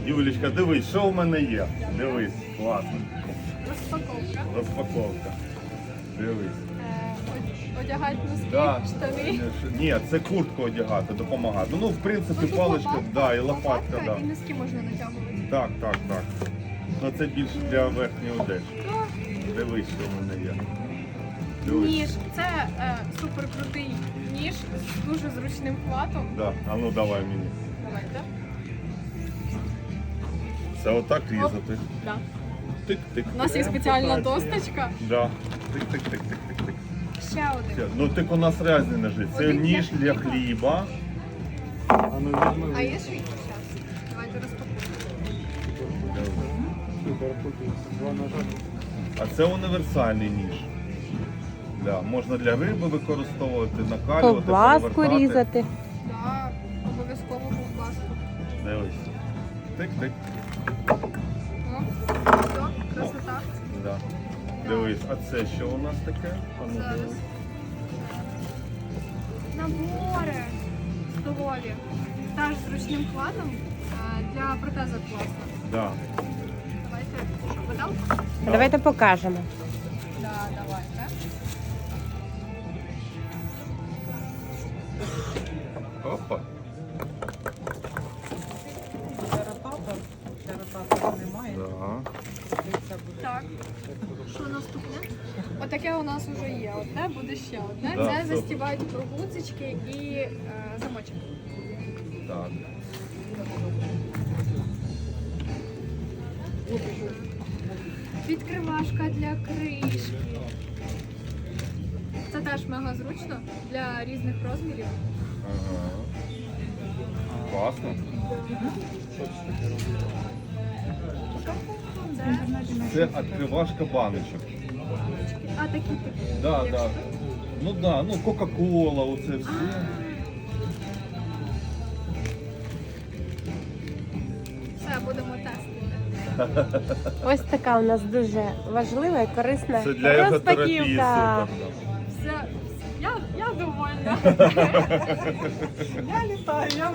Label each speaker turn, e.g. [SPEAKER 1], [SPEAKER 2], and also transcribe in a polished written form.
[SPEAKER 1] Юлічка, дивись, що в мене є. Дивись, класно.
[SPEAKER 2] Розпаковка.
[SPEAKER 1] Розпаковка. Дивись.
[SPEAKER 2] Одягати носки,
[SPEAKER 1] Да.
[SPEAKER 2] штани.
[SPEAKER 1] Ні, це куртку одягати, допомагати. Ну, в принципі,
[SPEAKER 2] Ну, тут
[SPEAKER 1] паличка,
[SPEAKER 2] лопатка,
[SPEAKER 1] да, і лопатка, да.
[SPEAKER 2] і носки можна натягувати.
[SPEAKER 1] Так, так, так. Ну це більше для верхньої одежі.
[SPEAKER 2] Так.
[SPEAKER 1] Дивись, що в мене є. Дивись.
[SPEAKER 2] Ніж. Це супер крутий ніж з дуже зручним хватом.
[SPEAKER 1] Да. А ну давай мені.
[SPEAKER 2] Давайте.
[SPEAKER 1] Це отак різати.
[SPEAKER 2] Да.
[SPEAKER 1] Тик-тик.
[SPEAKER 2] У нас є спеціальна досточка.
[SPEAKER 1] Да. Тик-тик-тик-тик-тик.
[SPEAKER 2] Ще один.
[SPEAKER 1] Все. Ну так у нас різні ножи. Це
[SPEAKER 2] Один для
[SPEAKER 1] ніж для
[SPEAKER 2] хліба.
[SPEAKER 1] хліба.
[SPEAKER 2] А є швидше зараз? Давайте розпакуємо.
[SPEAKER 1] А це універсальний ніж. Да. Можна для риби використовувати, накалювати,
[SPEAKER 3] Ковбаску
[SPEAKER 1] перевертати.
[SPEAKER 3] різати.
[SPEAKER 2] Так, обов'язково ковбаску.
[SPEAKER 1] Дивись. Тик-тик.
[SPEAKER 2] О, все, красота.
[SPEAKER 1] Да. Дивись, а це що у нас таке? А ну,
[SPEAKER 2] Зараз.
[SPEAKER 1] дивись.
[SPEAKER 2] Набори столові. Теж з ручним хватом для протеза класно.
[SPEAKER 1] Да.
[SPEAKER 2] Давайте, що, подав?
[SPEAKER 3] Давайте покажемо.
[SPEAKER 2] Да, давайте.
[SPEAKER 1] Опа. Да.
[SPEAKER 2] Так. Що наступне? Отаке у нас вже є. Одне буде ще одне.
[SPEAKER 1] Да,
[SPEAKER 2] Це
[SPEAKER 1] супер.
[SPEAKER 2] застібають прогуцички і замочок.
[SPEAKER 1] Так.
[SPEAKER 2] Відкривашка для кришки. Це теж мега зручно для різних розмірів.
[SPEAKER 1] Ага. Класно. Це відкривашка баночок.
[SPEAKER 2] А такі
[SPEAKER 1] Да, да. Ну да, ну Кока-Кола, оце все.
[SPEAKER 2] Все, будемо тестити.
[SPEAKER 3] Ось така у нас дуже важлива і корисна
[SPEAKER 1] Це для ерготерапії
[SPEAKER 3] розпаківка.
[SPEAKER 1] супер.
[SPEAKER 2] Все, я довольна. Я літаю, я